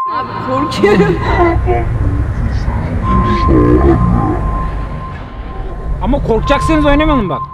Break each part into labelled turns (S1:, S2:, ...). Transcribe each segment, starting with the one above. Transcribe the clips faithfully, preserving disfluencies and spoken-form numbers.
S1: Abi korkuyorum.
S2: Ama korkacaksanız oynamayalım bak.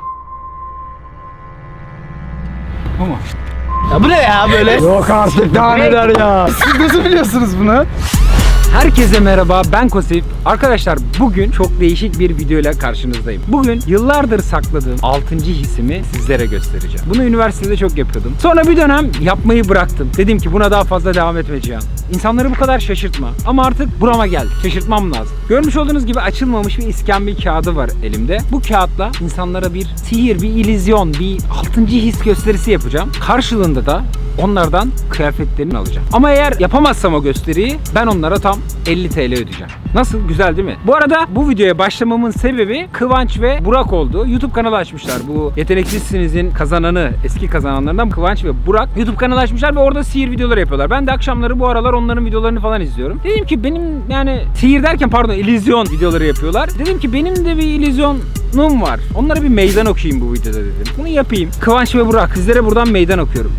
S2: Ama.
S3: Ya bu ne ya böyle?
S4: Yok artık daha neler ya. Siz nasıl biliyorsunuz bunu?
S2: Herkese merhaba, ben Kosif. Arkadaşlar bugün çok değişik bir video ile karşınızdayım. Bugün yıllardır sakladığım altıncı hissimi sizlere göstereceğim. Bunu üniversitede çok yapıyordum. Sonra bir dönem yapmayı bıraktım. Dedim ki buna daha fazla devam etmeyeceğim. İnsanları bu kadar şaşırtma. Ama artık burama geldi. Şaşırtmam lazım. Görmüş olduğunuz gibi açılmamış bir iskambil kağıdı var elimde. Bu kağıtla insanlara bir sihir, bir illüzyon, bir altıncı his gösterisi yapacağım. Karşılığında da onlardan kıyafetlerini alacağım. Ama eğer yapamazsam o gösteriyi ben onlara tam elli TL ödeyeceğim. Nasıl? Güzel değil mi? Bu arada bu videoya başlamamın sebebi Kıvanç ve Burak oldu. YouTube kanalı açmışlar. Bu Yeteneksizsiniz'in kazananı, eski kazananlarından Kıvanç ve Burak YouTube kanalı açmışlar ve orada sihir videoları yapıyorlar. Ben de akşamları bu aralar onların videolarını falan izliyorum. Dedim ki benim yani sihir derken pardon illüzyon videoları yapıyorlar. Dedim ki benim de bir illüzyonum var. Onlara bir meydan okuyayım bu videoda dedim. Bunu yapayım. Kıvanç ve Burak sizlere buradan meydan okuyorum.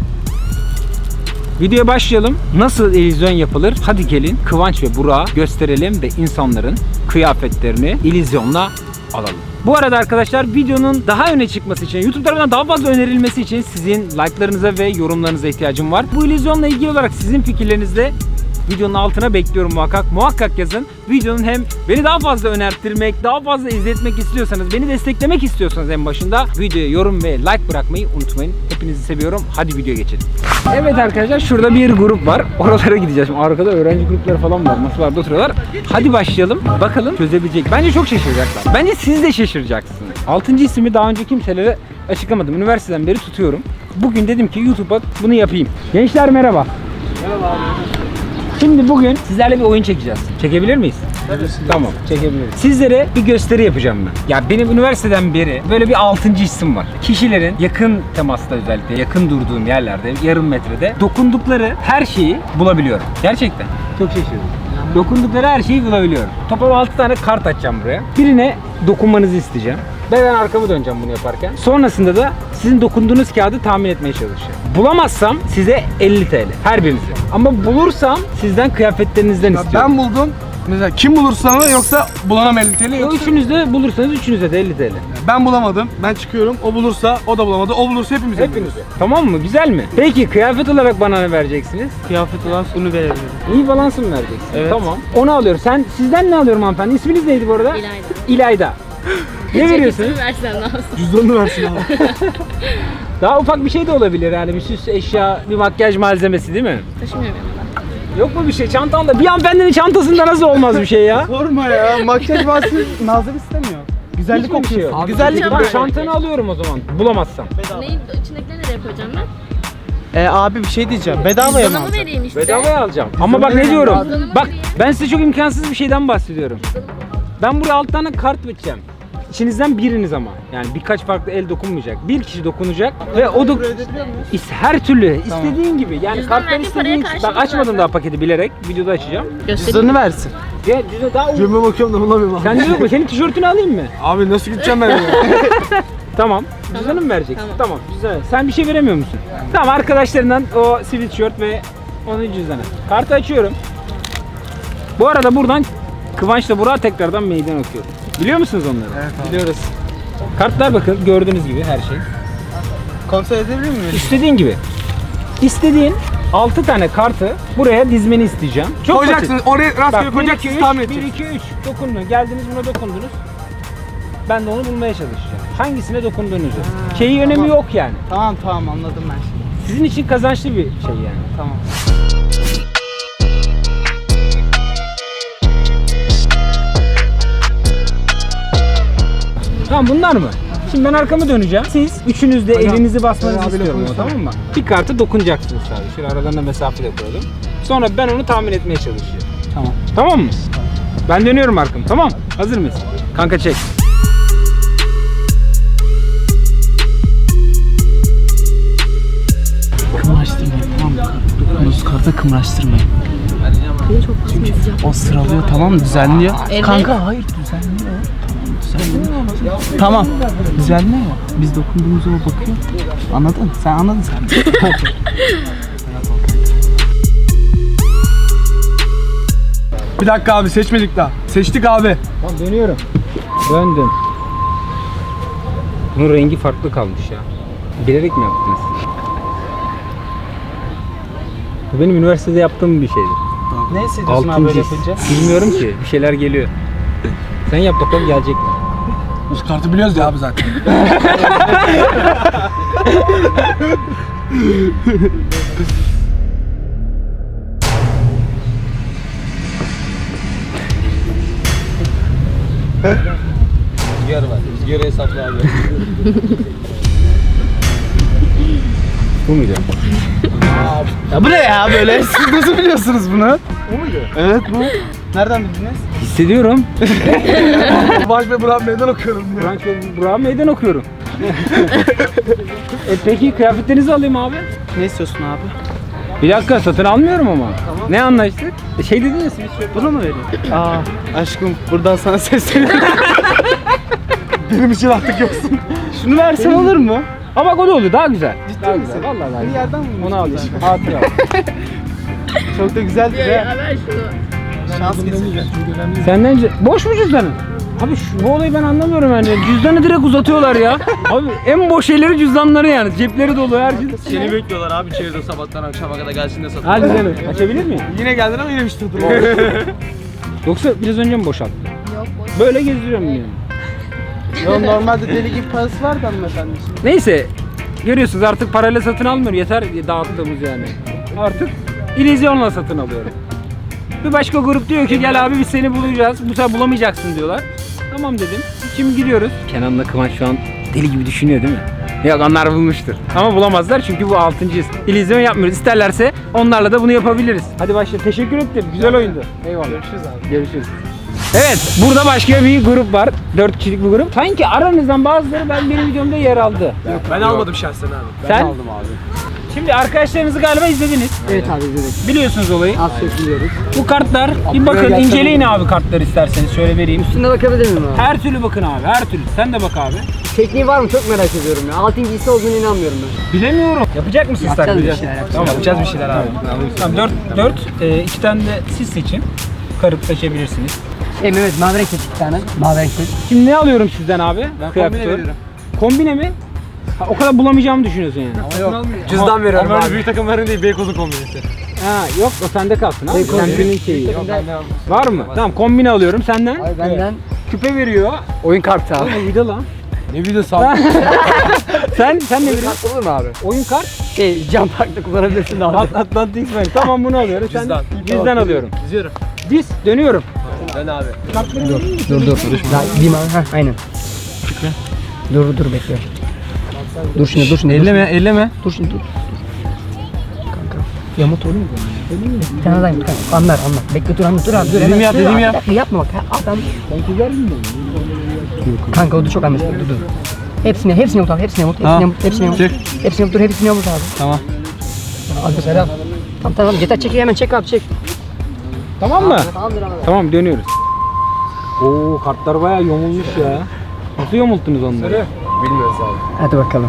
S2: Videoya başlayalım. Nasıl illüzyon yapılır? Hadi gelin Kıvanç ve Burak'a gösterelim ve insanların kıyafetlerini illüzyonla alalım. Bu arada arkadaşlar videonun daha öne çıkması için, YouTube tarafından daha fazla önerilmesi için sizin like'larınıza ve yorumlarınıza ihtiyacım var. Bu illüzyonla ilgili olarak sizin fikirlerinizde videonun altına bekliyorum muhakkak. Muhakkak yazın. Videonun hem beni daha fazla önerttirmek, daha fazla izletmek istiyorsanız, beni desteklemek istiyorsanız en başında videoya yorum ve like bırakmayı unutmayın. Hepinizi seviyorum. Hadi videoya geçelim. Evet arkadaşlar şurada bir grup var. Oralara gideceğiz. Şimdi arkada öğrenci grupları falan var. Masalarda oturuyorlar. Hadi başlayalım. Bakalım çözebilecek. Bence çok şaşıracaklar. Bence siz de şaşıracaksınız. altıncı ismi daha önce kimselere açıklamadım. Üniversiteden beri tutuyorum. Bugün dedim ki YouTube'a bunu yapayım. Gençler merhaba.
S4: Merhaba abi.
S2: Şimdi bugün sizlerle bir oyun çekeceğiz. Çekebilir miyiz?
S4: Evet.
S2: Tamam, çekebiliriz. Sizlere bir gösteri yapacağım ben. Ya benim üniversiteden beri böyle bir altıncı hissim var. Kişilerin yakın temasta özellikle yakın durduğum yerlerde, yarım metrede dokundukları her şeyi bulabiliyorum. Gerçekten. Çok şaşırdım. Dokundukları her şeyi bulabiliyorum. Toplam altı tane kart açacağım buraya. Birine dokunmanızı isteyeceğim. Ben arkamı döneceğim bunu yaparken. Sonrasında da sizin dokunduğunuz kağıdı tahmin etmeye çalışacağım. Bulamazsam size elli TL her birinize. Ama bulursam sizden kıyafetlerinizden
S4: Ya
S2: istiyorum.
S4: ben buldum. Mesela kim bulursa mı yoksa bulana elli TL
S2: O
S4: yoksa
S2: üçünüz de bulursanız üçünüze de elli TL.
S4: ben bulamadım. Ben çıkıyorum. O bulursa o da bulamadı. O bulursa hepimiz
S2: Hepinize. Tamam mı? Güzel mi? Peki kıyafet olarak bana ne vereceksiniz?
S3: Kıyafet olan sunu verebilirim.
S2: İyi balansı mı vereceksiniz?
S3: Evet.
S2: Tamam. Onu alıyorum. Sen sizden ne alıyorum hanımefendi? İsminiz neydi bu arada?
S1: İlayda.
S2: İlayda. Ne veriyorsunuz?
S1: Versen lazım.
S4: Cüzdanını versin abi.
S2: Daha ufak bir şey de olabilir yani bir süs eşya, bir makyaj malzemesi değil mi?
S1: Taşımıyorum yanımda.
S2: Yok mu bir şey çantanda? Bir hanımefendinin çantasında nasıl olmaz bir şey ya?
S4: Sorma ya. Makyaj vasfı Nazlı istemiyor. Güzellik
S2: Hiç mi bir şey
S4: okuyor.
S2: yok?
S4: Güzellik
S2: Ben
S1: var.
S2: çantanı alıyorum o zaman bulamazsam.
S1: Neyin içindekileri nereye yapacağım ben?
S3: Ee, abi bir şey diyeceğim. Bedavaya mı
S1: Cüzdanımı
S3: alacaksın?
S1: vereyim işte.
S2: Bedavaya alacağım. Ama bak ne diyorum?
S1: Cüzdanımı
S2: Bak
S1: vereyim.
S2: ben size çok imkansız bir şeyden bahsediyorum. Ben buraya alt tane kart vereceğim. İçinizden biriniz ama. Yani birkaç farklı el dokunmayacak. Bir kişi dokunacak ve o da her türlü istediğin gibi. Yani
S1: Cüzdan
S2: karttan
S1: verdiği paraya
S2: istediğin. Ben
S1: karşılık
S2: açmadım
S1: zaten.
S2: daha paketi bilerek. Videoda açacağım.
S1: Göstereyim.
S3: Cüzdanı versin.
S2: Ya cüzdan daha
S4: Cebime bakıyorum da bulamıyorum abi.
S2: Sen diyor mu? Senin tişörtünü alayım mı?
S4: Abi nasıl gideceğim ben ya?
S2: Tamam. Cüzdanı mı vereceksin?
S1: Tamam.
S2: Tamam. Güzel. Sen bir şey veremiyor musun? Tamam arkadaşlarından o sivil tişört ve onun cüzdanı. Kartı açıyorum. Bu arada buradan Kıvanç'la Burak'a tekrardan meydan okuyorum. Biliyor musunuz onları?
S4: Evet abi.
S3: Biliyoruz.
S2: Kartlar bakın gördüğünüz gibi her şey.
S3: Kontrol edebilir miyim?
S2: İstediğin gibi. İstediğin altı tane kartı buraya dizmeni isteyeceğim. Çok
S4: Koyacaksın.
S2: basit.
S4: Oraya rastgele
S2: Bak,
S4: koyacaksınız tahmin
S2: bir,
S4: edeceksiniz.
S2: iki, üç dokundunuz. Geldiniz buna dokundunuz. Ben de onu bulmaya çalışacağım. Hangisine dokunduğunuzu. Şeyi önemi
S3: tamam.
S2: yok yani.
S3: Tamam tamam anladım ben şimdi.
S2: Sizin için kazançlı bir şey yani.
S3: Tamam.
S2: Tamam bunlar mı? Şimdi ben arkamı döneceğim. Siz üçünüz de
S4: Hocam,
S2: elinizi basmanızı
S4: abiyle
S2: istiyorum ama,
S4: konuşalım.
S2: tamam mı? Bir kartı dokunacaksınız sadece. Şöyle aralarında mesafe de koyalım. Sonra ben onu tahmin etmeye çalışacağım.
S3: Tamam.
S2: Tamam mı? Ben dönüyorum arkamı. Tamam. Hazır mıyız? Kanka çek.
S3: Kımraştırmayın tamam mı? Dokunduğunuz karta kımraştırmayın. Çünkü o sıralıyor tamam mı? Düzenliyor.
S1: Evet.
S3: Kanka hayır düzenliyor. Tamam düzenliyor. Tamam. Düzenliyor. Biz dokunduğumuzda o bakıyor. Anladın? Sen anladın sen.
S4: Bir dakika abi, seçmedik daha. Seçtik abi.
S2: Tamam dönüyorum. Döndüm. Bunun rengi farklı kalmış ya. Bilerek mi yaptınız? Bu benim üniversitede yaptığım bir şeydi.
S3: Ne hissediyorsun abi böyle
S2: Altıncı his.
S3: yapınca?
S2: Bilmiyorum ki. Bir şeyler geliyor. Sen yap bakalım gelecek mi?
S4: Biz kartı biliyoruz ya abi zaten.
S3: Rüzgar var. Rüzgarı hesapla abi.
S2: Bu muydu?
S3: Ya bu ne ya böyle? Siz nasıl biliyorsunuz bunu? Bu muydu? Evet bu. Nereden bildiniz?
S2: Hissediyorum.
S4: Baş ve Burak meydan okuyorum diyor.
S2: Branş ve Burak'a meydan okuyorum. e peki kıyafetlerinizi alayım abi.
S3: Ne istiyorsun abi?
S2: Bir dakika satın almıyorum ama. Ne anlaştık? E, Şey dediniz biz şöyle.
S3: Bunu mu vereyim? Aa aşkım buradan sana sesleniyorum.
S4: Benim için artık yoksun.
S3: Şunu versen olur mu?
S2: Ama bak o da oldu daha güzel.
S3: Ciddi
S2: Daha
S3: misin?
S2: güzel. Vallahi daha
S3: Bir
S2: güzel.
S3: yerden mi?
S2: Onu alayım. Hatıra al.
S3: Çok da güzeldi
S1: Ya,
S3: be.
S1: ya ver şunu.
S3: Şans kesin.
S2: Senden ce- boş mu cüzdanın? Abi şu, bu olayı ben anlamıyorum yani. Cüzdanı direkt uzatıyorlar ya. Abi en boş şeyleri cüzdanları yani. Cepleri dolu her şey.
S5: Seni bekliyorlar abi içeride sabahtan akşama kadar gelsin de satın.
S2: Hadi canım. Açabilir miyim?
S4: Yine geldin ama yine bir şey
S2: Yoksa biraz önce mi boşalttın?
S1: Yok boş.
S2: Böyle geziyorum yani.
S3: Yo, normalde deli gibi parası var da hanımefendi şimdi.
S2: Neyse. Görüyorsunuz artık parayla satın almıyorum. Yeter dağıttığımız yani. Artık illüzyonla satın alıyorum. Bir başka grup diyor ki gel abi biz seni bulacağız. Bu sefer bulamayacaksın diyorlar. Tamam dedim. Şimdi gidiyoruz. Kenan'la Kıvanç şu an deli gibi düşünüyor değil mi? Yok onlar bulmuştur. Ama bulamazlar çünkü bu altıncıyız. İllüzyon yapmıyoruz. İsterlerse onlarla da bunu yapabiliriz. Hadi başla. Teşekkür ettim. Güzel oyundu. Eyvallah. Görüşürüz abi. Görüşürüz. Evet, burada başka bir grup var. Dört kişilik bir grup. Sanki aranızdan bazıları ben benim videomda yer aldı.
S4: Ben almadım şahsen abi.
S2: Sen? aldım abi. Şimdi arkadaşlarınızı galiba izlediniz.
S3: Evet abi izledik.
S2: Biliyorsunuz olayı.
S3: Az çok biliyoruz.
S2: Bu kartlar, bir bakın
S3: gelsene.
S2: inceleyin abi kartları isterseniz şöyle vereyim.
S3: Üstüne bakabilir miyim abi?
S2: Her türlü bakın abi, her türlü. Sen de bak abi.
S6: Tekniği var mı çok merak ediyorum ya. Altıncı hissi olduğunu inanmıyorum ben.
S2: Bilemiyorum. Yapacak mısınız
S6: Yapacağız
S2: taklit?
S6: bir şeyler, yapacağız.
S2: Tamam, yapacağız bir şeyler abi. Tamam, dört, dört, e, iki tane de siz seçin. Karıp seçebilirsiniz.
S6: Şey Mehmet mavi renk seç bir tane. Mavi renk seç.
S2: Şimdi ne alıyorum sizden abi? Ben
S4: kombine veririm.
S2: Kombine mi? Ha, o kadar bulamayacağımı düşünüyorsun yani.
S4: Cüzdan veriyorum abi. Böyle büyük takım verin değil, Beykoz'un kombinesi.
S2: Ha, yok o sende kalsın abi. Senin şeyi.
S4: Yok bende aldım.
S2: Var mı? Tamam kombine alıyorum senden.
S6: Ay benden
S2: Küpe veriyor.
S6: oyun kartı abi.
S2: Ne bir de lan.
S4: Ne videosu abi?
S2: Sen sen ne veriyorsun?
S6: Kart olur mu abi?
S2: Oyun kart.
S6: Şey cam parkta kullanabilirsin abi.
S2: At Atlantic Bank. Tamam bunu alıyorum. Sen
S4: Cüzdan.
S2: cüzdan alıyorum.
S4: İzliyorum.
S2: Diz dönüyorum.
S4: Ben abi.
S6: Dur dur. Daha gideyim abi. Heh, aynen. Dur dur bekle. Dur şimdi dur şimdi.
S2: Elleme elleme.
S6: Dur şimdi dur. Kanka. Yamut olur mu? Bir tane daha yamut kanka. Anlar anlar. Bekle dur anlat dur abi. Dur,
S2: Dediğimi
S6: hemen.
S2: yap,
S6: Dur,
S2: dediğimi
S6: abi,
S2: yap.
S6: bir dakika, Yapma bak. Ha, adam.
S2: Ben çizer miyim?
S6: Kanka o da çok anlaşılır. Dur dur. Hepsini hepsini yamut abi. Hepsini yamut. Hepsini yamut. Hepsini yamut. Hepsini yamut. Dur hepsini yamut abi.
S2: Tamam.
S6: Abi selam. Tamam tamam. Yeter çek hemen çek abi çek.
S2: Tamam mı?
S6: Tamamdır abi.
S2: Tamam dönüyoruz. Oo kartlar bayağı yamulmuş ya. Nasıl yamulttunuz onları?
S4: Bilmiyoruz abi.
S6: Hadi bakalım.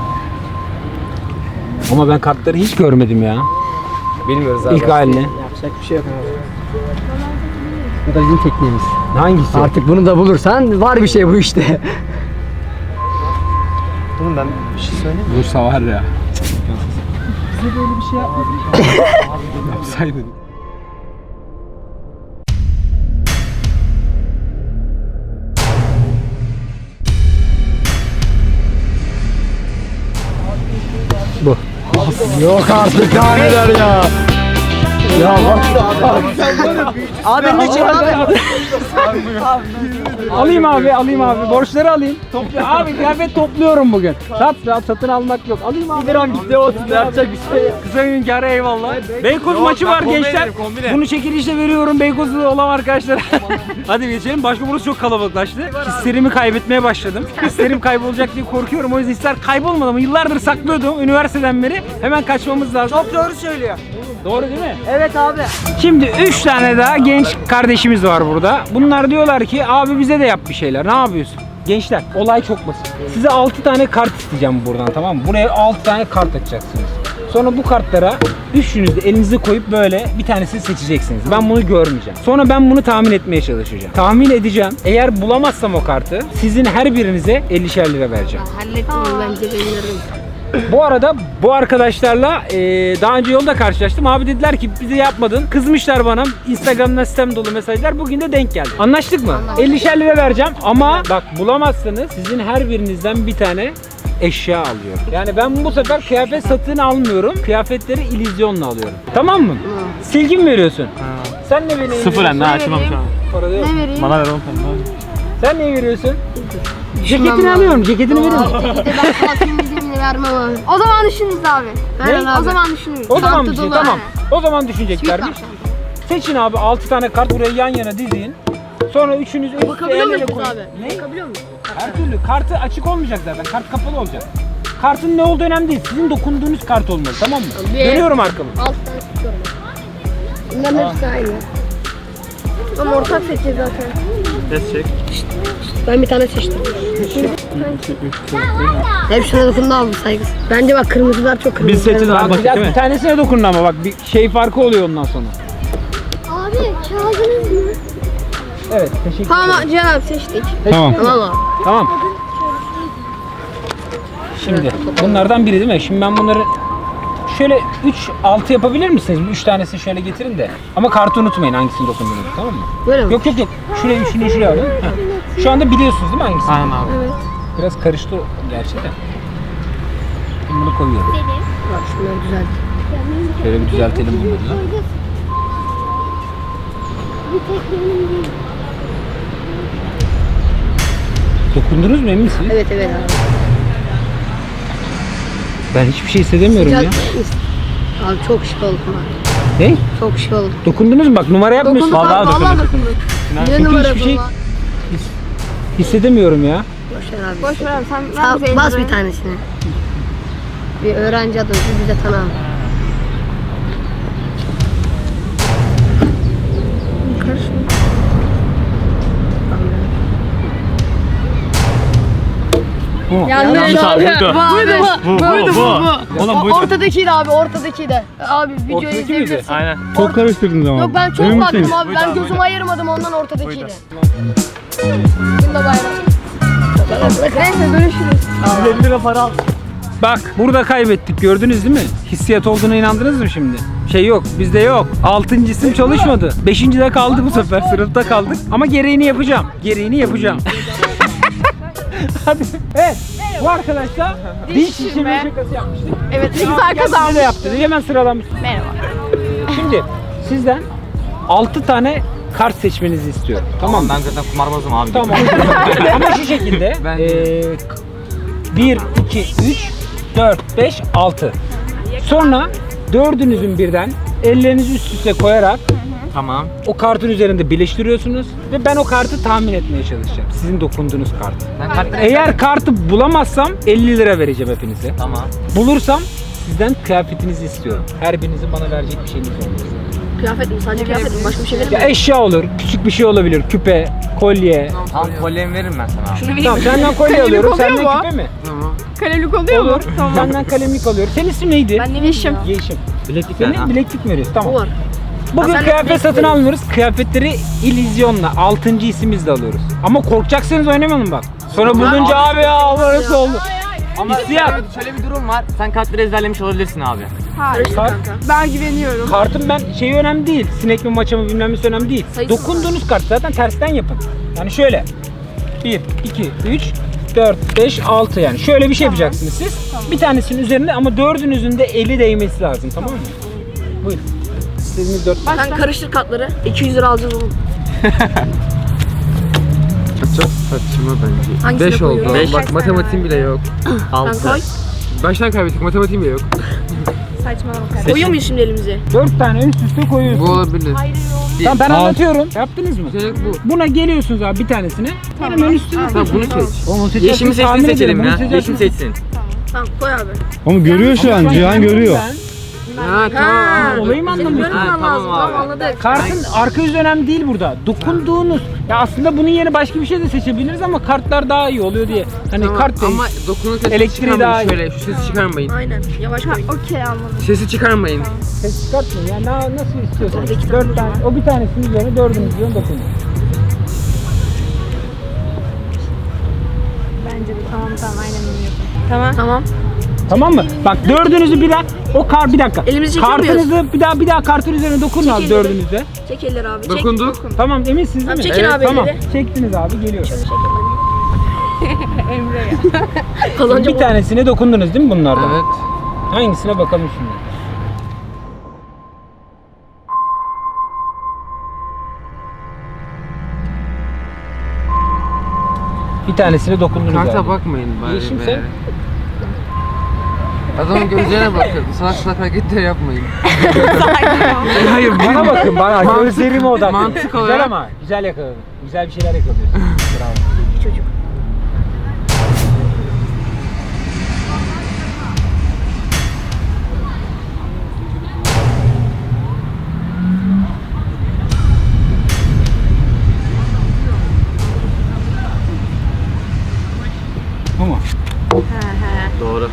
S2: Ama ben kartları hiç görmedim ya.
S4: Bilmiyoruz abi.
S2: İlk halini.
S6: Yapacak bir şey yok abi. Bu da bizim tekniğimiz.
S2: Hangisi?
S6: Artık bunu da bulursan var bir şey bu işte.
S3: Oğlum ben bir şey söyleyeyim mi?
S2: Bursa var ya.
S3: Bize böyle bir şey yapmadın.
S2: Yapsaydın. Bu.
S6: Yok artık daha neler ya. Ya bak. Abi ne çek abi?
S2: Alayım abi, alayım abi. Borçları alayım. Toplu abi kıyafet topluyorum bugün. Sat, sat, satın almak yok. Alayım abi.
S6: Bir an gitti olsun yapacak bir şey yok.
S2: Kısa gün kârı eyvallah. Beykoz maçı var gençler. Bunu çekilişle veriyorum Beykoz'da olan arkadaşlar. Hadi geçelim. Başka burası çok kalabalıklaştı. Hislerimi kaybetmeye başladım. Hislerim kaybolacak diye korkuyorum. O yüzden hisler kaybolmadı ama yıllardır saklıyordum üniversiteden beri. Hemen kaçmamız lazım.
S6: Çok doğru söylüyor.
S2: Doğru değil mi?
S6: Evet abi.
S2: Şimdi üç tane daha genç kardeşimiz var burada. Bunlar diyorlar ki abi bize de yap bir şeyler. Ne yapıyorsun? Gençler olay çok basit. Size altı tane kart isteyeceğim buradan tamam mı? Buraya altı tane kart açacaksınız. Sonra bu kartlara Üçünüz de elinizi koyup böyle bir tanesini seçeceksiniz. Ben bunu görmeyeceğim. Sonra ben bunu tahmin etmeye çalışacağım. Tahmin edeceğim. Eğer bulamazsam o kartı sizin her birinize ellişer lira vereceğim.
S1: Hallettim bence benim.
S2: Bu arada bu arkadaşlarla e, daha önce yolda karşılaştım. Abi dediler ki bize yapmadın. Kızmışlar bana. Instagram'da sistem dolu mesajlar. Bugün de denk geldi. Anlaştık mı? ellişer lira vereceğim ama bak bulamazsanız sizin her birinizden bir tane eşya alıyorum. Yani ben bu sefer kıyafet satın almıyorum. Kıyafetleri illüzyonla alıyorum. Tamam mı? Silgi mi veriyorsun? Sen ne veriyorsun?
S5: Sıfıren daha açmam şu an.
S2: Parada yok.
S1: Ne vereyim?
S5: Bana ver on tane.
S2: Sen ne veriyorsun? Ceketini alıyorum. Ceketini veriyorum.
S1: Ceketi ben kalkayım dediğimini vermem abi.
S7: O zaman düşünürüz abi.
S1: Aynen abi.
S7: O zaman düşünürüz.
S2: O zaman
S1: Çanta
S2: bir şey
S1: dolu,
S2: tamam.
S1: he.
S2: O zaman düşüneceklermiş. Seçin abi altı tane kart buraya yan yana dizin. Sonra üçünüz üst üste
S1: Bakabiliyor
S2: el ele
S1: muyuz biz
S2: koyun.
S1: abi?
S2: Ne?
S1: Bakabiliyor muyuz?
S2: Her türlü. Kartı açık olmayacak zaten. Kart kapalı olacak. Kartın ne olduğu önemli değil. Sizin dokunduğunuz kart olmalı, tamam mı?
S1: Bir-
S2: Dönüyorum arkamı.
S1: Altı tane tutuyorum. Bunların hepsi aynı.
S7: Ama ortak seçeceğiz zaten.
S5: Ses çek.
S1: Ben bir tane seçtim. Hepsine dokundu abi saygısız. Bence bak kırmızılar çok kırmızı.
S5: Biz seçeceğiz abi
S2: Bak,
S5: baktık
S2: biraz
S5: değil
S2: bir
S5: mi?
S2: tanesine dokunun ama bak bir şey farkı oluyor ondan sonra.
S7: Abi çaldınız mı?
S2: Evet, teşekkür
S7: Tamam
S2: ederim.
S7: Cihan abi seçtik.
S2: Tamam.
S1: Tamam abi.
S2: Tamam. Şimdi bunlardan biri değil mi? Şimdi ben bunları şöyle üç altı yapabilir misiniz? üç tanesini şöyle getirin de. Ama kartı unutmayın hangisini dokunduğunuzu, tamam mı?
S1: Böyle mi?
S2: Yok yok yok. Şuraya üçünü şuraya alın. Heh. Şu anda biliyorsunuz değil mi hangisini?
S5: Aynen abi.
S2: Biraz karıştı gerçi de. Şimdi bunu koyuyorum.
S1: Bak şunlar güzel.
S2: Şöyle bir düzeltelim bunları da.
S7: Bir tek benim değil.
S2: Dokundunuz mu, emin misiniz?
S1: Evet evet abi.
S2: Ben hiçbir şey hissedemiyorum ya.
S1: Abi çok şık oldu abi.
S2: Ne?
S1: Çok şık oldu.
S2: Dokundunuz mu? Bak numara yapmıyorsunuz.
S1: Dokunduk abi,
S5: Vallahi
S1: vallahi
S5: dokunduk.
S1: dokunduk. Ne
S2: Çünkü
S1: numara
S2: hiçbir
S1: bu
S2: şey
S1: lan?
S2: hissedemiyorum ya.
S1: Boş ver abi.
S7: Boş ver abi sen ver
S1: Sağ-
S7: bize
S1: bas
S7: elini.
S1: bir tanesini. Bir öğrenci adamı bize tanı abi.
S2: Bu.
S5: Yanlış abi. Bu. Bu. Bu. Bu. Oğlum buydu.
S7: Ortadakiydi abi ortadakiydi. Abi videoyu
S2: Ortadaki miydi?
S7: izleyebilirsin.
S5: Aynen.
S6: Çok karıştırdınız ama.
S7: Yok ben çok
S6: Emin
S7: baktım
S6: misiniz?
S7: abi
S5: Buydu
S7: ben
S5: abi,
S7: gözümü
S5: buydu.
S7: ayırmadım ondan ortadakiydi.
S5: Buydu.
S7: Bunda bayram. Neyse görüşürüz.
S5: elli lira para al.
S2: Bak burada kaybettik, gördünüz değil mi? Hissiyat olduğuna inandınız mı şimdi? Şey yok, bizde yok. Altıncı isim çalışmadı. Beşinci de kaldı bu sefer, sınıfta kaldık. Ama gereğini yapacağım. Gereğini yapacağım. Hadi. Evet. Bu arkadaşlar diş şişirme şakası yapmıştık.
S7: Evet ne
S2: Aa,
S7: güzel
S2: gel size
S7: kazanmış.
S2: de yaptı. Hemen sıralamış.
S7: Merhaba.
S2: Şimdi sizden altı tane kart seçmenizi istiyorum. Tamam mı?
S5: Ben zaten kumarbazım abi.
S2: Tamam. Ama şu şekilde.
S5: Ben-
S2: eee bir, iki, üç, dört, beş, altı. Sonra dördünüzün birden ellerinizi üst üste koyarak
S5: Tamam.
S2: o kartın üzerinde birleştiriyorsunuz ve ben o kartı tahmin etmeye çalışacağım. Sizin dokunduğunuz kartı.
S5: Ben kartları
S2: Eğer kartı bulamazsam elli lira vereceğim hepinize.
S5: Tamam.
S2: Bulursam sizden kıyafetinizi istiyorum. Her birinizin bana verecek bir şeyiniz olması.
S1: Kıyafet mi? Sadece kıyafet mi? Başka bir şey verir
S2: Ya
S1: mi?
S2: eşya olur, küçük bir şey olabilir, küpe, kolye.
S5: Tamam kolyemi veririm ben sana abi.
S1: Şunu vereyim
S2: Tamam,
S1: mi?
S2: senden kolye
S7: Kalemlik
S2: alıyorum,
S7: oluyor
S2: senden
S7: mu?
S2: küpe mi?
S7: Kalelik oluyor
S2: Olur.
S7: mu? Tamam.
S2: Senden kalemlik alıyorum. Senin ismin neydi?
S1: Ben ne Yeşim.
S2: Yeşim.
S5: Bileklik
S2: Senin
S5: ver.
S2: bileklik mi veriyorsun? Tamam.
S1: Bu var.
S2: Bugün
S1: Ha, sen
S2: kıyafet
S1: bileklik
S2: satın
S1: veriyorsun.
S2: almıyoruz. Kıyafetleri illüzyonla, altıncı isimizle alıyoruz. Ama korkacaksanız oynamayalım bak. Sonra bulunca abi ya Allah nasıl oldu?
S5: Ama
S2: Hissiyat.
S5: şöyle, şöyle bir durum var. Sen kartları ezberlemiş olabilirsin abi.
S7: Hayır.
S2: Kart,
S7: Ben güveniyorum.
S2: kartın ben şeyi önemli değil. Sinek mi maça mı bilmem nesi önemli değil.
S1: Sayısı
S2: Dokunduğunuz kart zaten tersten yapın. Yani şöyle. bir, iki, üç, dört, beş, altı yani. Şöyle bir şey yapacaksınız siz. Bir tanesinin üzerinde ama dördünüzün de eli değmesi lazım, tamam mı? Buyurun. İstediğiniz dört.
S1: Sen karıştır kartları. iki yüz lira alacağız oğlum.
S8: Çok saçma bence.
S1: Hangisine
S8: beş oldu.
S1: koyuyorum?
S7: Beş.
S8: Bak matematiğim bile yok.
S1: Sen
S5: altı.
S1: koy.
S8: Baştan kaybettik, matematiğim bile yok.
S7: Saçmalama.
S1: Koyuyor muyuz şimdi elimize?
S2: Dört tane üst üste koyuyorsunuz.
S8: Bu olabilir.
S2: Tamam ben anlatıyorum. Yaptınız mı?
S8: Seçenek bu.
S2: Buna geliyorsunuz abi bir tanesine. Hemen üstüne
S8: Tamam bunu seç.
S2: Onu seçersiniz,
S5: Yeşimi
S2: tahmin
S5: seçsin
S2: ederim.
S5: seçelim
S2: Bunu
S5: ya.
S2: seçersiniz.
S5: Yeşim seçsin.
S1: Tamam koy abi.
S6: Ama görüyor şu an,
S2: Ama
S6: Cihan
S2: ben
S6: görüyor.
S8: Ha tamam.
S2: Olayı mı anlamıyorsun?
S1: Görmemen lazım. Tamam anladık.
S2: Kartın arka yüzü önemli değil burada. Dokunduğunuz. Ya aslında bunun yerine başka bir şey de seçebiliriz ama kartlar daha iyi oluyor diye. Hani
S8: Tamam,
S2: kart değil.
S8: ama dokunurken sesi
S2: Elektriği daha iyi.
S8: çıkarmayın. Şöyle şu sesi çıkarmayın.
S1: Aynen. Yavaş koy.
S7: Okey anladım.
S8: Sesi çıkarmayın.
S2: Ses çıkartmayın. Yani na- nasıl istiyorsanız. Dört tane. O bir tanesinin üzerine dördünüz diyorsun dokunun.
S7: Bence de tamam tamam aynen bunu yapalım.
S1: Tamam. Tamam.
S2: Tamam mı? Bak dördünüzü bir daha o kar bir dakika.
S1: Elimizi çekiyor muyuz?
S2: Kartınızı bir daha bir daha kartın üzerine dokunun abi
S1: Çekin.
S2: dördünüzde.
S1: Çek elleri abi. Çek.
S8: Dokunduk.
S2: Tamam eminsiniz değil
S1: Tamam,
S2: mi?
S1: çekin abi
S2: Tamam.
S1: elleri.
S2: Çektiniz abi geliyor.
S1: Şöyle çek elleri. Kazanca
S2: Bir tanesine dokundunuz değil mi bunlardan?
S8: Evet.
S2: Hangisine bakalım şimdi. Bir tanesine dokundunuz
S8: Karta
S2: abi.
S8: bakmayın bari
S2: Yeşim
S8: be.
S2: sen?
S8: Adamın gözlerine bakın. Salak salak hareketler yapmayın.
S2: Hayır bana bakın bana. Gözlerime odaklanın.
S8: mantık
S2: Güzel
S8: olarak-
S2: ama güzel yakaladın. Güzel bir şeyler yakalıyorsun. Bravo.
S1: çocuk.
S2: Bu mu?
S8: Doğru.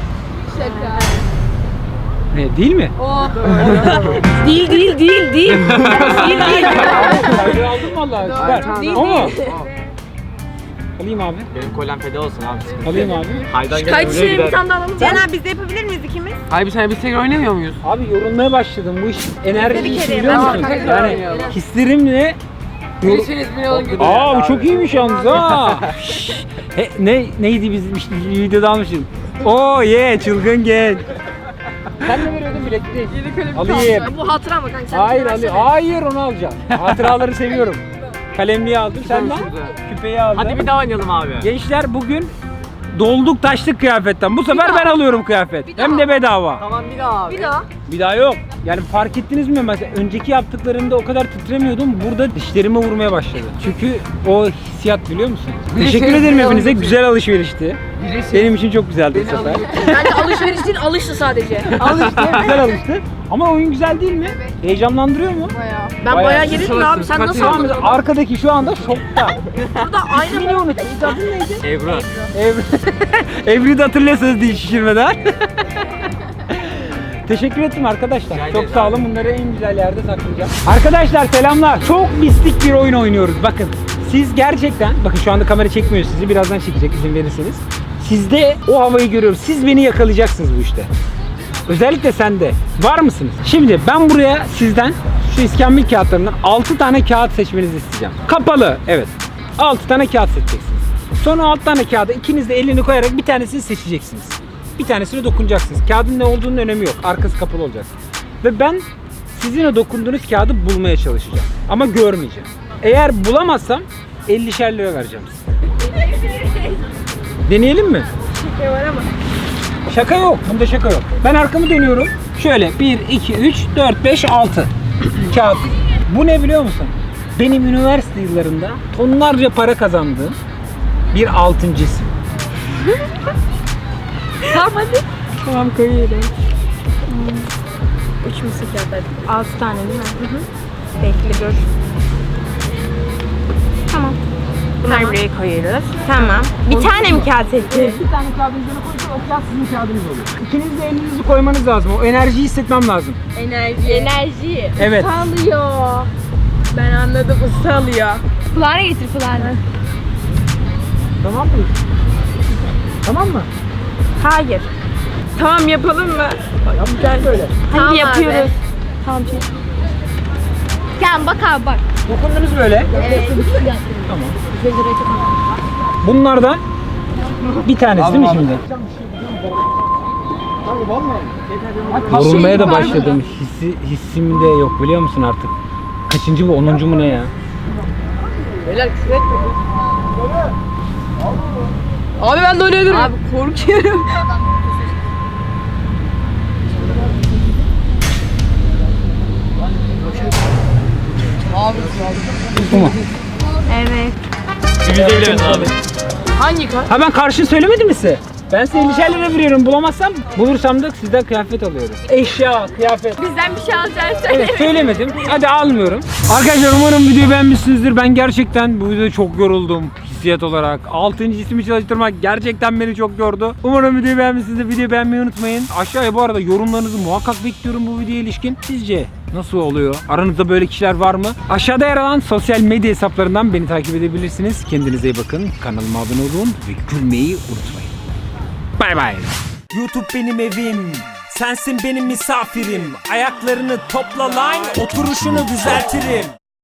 S2: Ne değil mi?
S1: Değil değil değil değil. değil değil.
S2: Kaydı aldım vallahi. Süper.
S1: Değil,
S2: O mu?
S1: değil.
S2: Alayım abi.
S3: Benim kolem feda olsun abi.
S2: Alayım abi.
S3: Haydan
S1: Kayıt şeyi bir tane daha alalım.
S7: Cihan abi biz de yapabilir miyiz ikimiz?
S8: Hayır bir saniye biz tekrar oynamıyor muyuz?
S2: Abi yorulmaya başladım. Bu iş enerji
S7: Bir
S2: işi
S7: kere
S2: biliyor
S7: yapalım.
S2: musun?
S8: Tekrar
S2: Yani
S8: oynayalım.
S2: hislerimle
S8: Birisiniz beni alın gidiyor.
S2: Aa bu çok iyiymiş yalnız ha. Şşş. He, ne neydi biz işte videoda almışım. Oo ye çılgın genç. Sen ne veriyordun bileklik? Alayım.
S1: Bu hatıra mı kanka? Sen
S2: Hayır
S1: bir
S2: Ali,
S1: versene.
S2: hayır onu alacağım. Hatıraları seviyorum. Kalemliği aldım senden. Küpeyi aldım.
S3: Hadi bir daha oynayalım abi.
S2: Gençler bugün dolduk taştık kıyafetten. Bu sefer ben alıyorum kıyafet. Hem de bedava.
S3: Tamam bir daha abi.
S1: Bir daha.
S2: Bir daha yok. Yani fark ettiniz mi mesela önceki yaptıklarımda o kadar titremiyordum. Burada dişlerime vurmaya başladı. Çünkü o hissiyat biliyor musun?
S8: Bir de
S2: Teşekkür
S8: şey-
S2: ederim
S8: bir
S2: hepinize.
S8: alıcı-
S2: Güzel alışverişti. Benim için çok güzeldi bu sefer.
S1: Bence alışveriş değil alıştı sadece.
S2: Alıştı, güzel alıştı. Ama oyun güzel değil mi? Heyecanlandırıyor mu?
S1: Ben
S2: Bayağı
S1: bayağı gerildim abi. Sen nasıl
S2: Şu an
S1: anladın?
S2: arkadaki şu anda şokta.
S1: Burada aynı
S2: İsmini unuttum. Adın neydi?
S3: Ebru.
S2: Evri. Evri'yi de hatırlıyorsunuz diye şişirmeden. Teşekkür ettim arkadaşlar. Çok sağ olun. Bunları en güzel yerde saklayacağım. Arkadaşlar selamlar. Çok mistik bir oyun oynuyoruz. Bakın siz gerçekten, bakın şu anda kamera çekmiyor sizi. Birazdan çekecek izin verirseniz. Sizde o havayı görüyorum. Siz beni yakalayacaksınız bu işte. Özellikle sende. Var mısınız? Şimdi ben buraya sizden şu iskambil kağıtlarından altı tane kağıt seçmenizi isteyeceğim. Kapalı. Evet. altı tane kağıt seçeceksiniz. Sonra altı tane kağıda ikiniz de elini koyarak bir tanesini seçeceksiniz. Bir tanesine dokunacaksınız. Kağıdın ne olduğunun önemi yok. Arkası kapalı olacak. Ve ben sizin o dokunduğunuz kağıdı bulmaya çalışacağım. Ama görmeyeceğim. Eğer bulamazsam ellişer lira vereceğim size. Deneyelim mi?
S1: şey var ama.
S2: Şaka yok. Bunda şaka yok. Ben arkamı dönüyorum. Şöyle bir, iki, üç, dört, beş, altı kağıt. Bu ne biliyor musun? Benim üniversite yıllarında tonlarca para kazandığım bir altıncı isim.
S1: Tamam hadi.
S7: Tamam koyuyorum.
S1: Üç mısır kağıtları.
S7: Altı tane değil mi? Hı hı. Bekle dur. Tamam. Bunları buraya koyuyoruz. Tamam. Bir tane mi kağıt seçeceğiz?
S2: Bir tane kağıdın üzerine koysa o kağıt sizin kağıdınız oluyor. İkiniz de elinizi koymanız lazım. O enerjiyi hissetmem lazım.
S7: Enerji. Enerji.
S2: Evet.
S7: Issalıyor. Ben anladım ıssalıyor. Fulana getir fulana.
S2: Tamam mı? Tamam mı?
S7: Hayır. Tamam yapalım mı?
S2: Gel böyle.
S7: Hadi
S1: Tamam
S7: yapıyoruz.
S1: abi.
S7: Tamam. Tamam bak abi bak.
S2: Dokundunuz böyle.
S1: Evet.
S2: Tamam. Bunlardan bir tanesi değil mi şimdi? Yorulmaya da başladım. Hissi, hissim de yok biliyor musun artık? Kaçıncı bu? Onuncu mu ne ya?
S1: Abi ben de oynayabilirim. Abi korkuyorum.
S2: Bu mu?
S7: Evet.
S3: Yüzde bilemez abi.
S1: Hangi kart?
S2: Ha ben karşıyı söylemedim mi size? Ben size elli lira veriyorum. Bulamazsam bulursam da sizden kıyafet alıyorum. Eşya, kıyafet.
S7: Bizden bir şey alacağını söyle.
S2: Evet söylemedim. Hadi almıyorum. Arkadaşlar umarım videoyu beğenmişsinizdir. Ben gerçekten bu videoda çok yoruldum. Hissiyat olarak. altıncı hissimi çalıştırmak gerçekten beni çok yordu. Umarım videoyu beğenmişsinizdir. Videoyu beğenmeyi unutmayın. Aşağıya bu arada yorumlarınızı muhakkak bekliyorum bu videoya ilişkin. Sizce nasıl oluyor? Aranızda böyle kişiler var mı? Aşağıda yer alan sosyal medya hesaplarından beni takip edebilirsiniz. Kendinize iyi bakın. Kanalıma abone olun ve gülmeyi unutmayın. Bay bay. YouTube benim evim. Sensin benim misafirim. Ayaklarını topla lan, oturuşunu düzeltirim.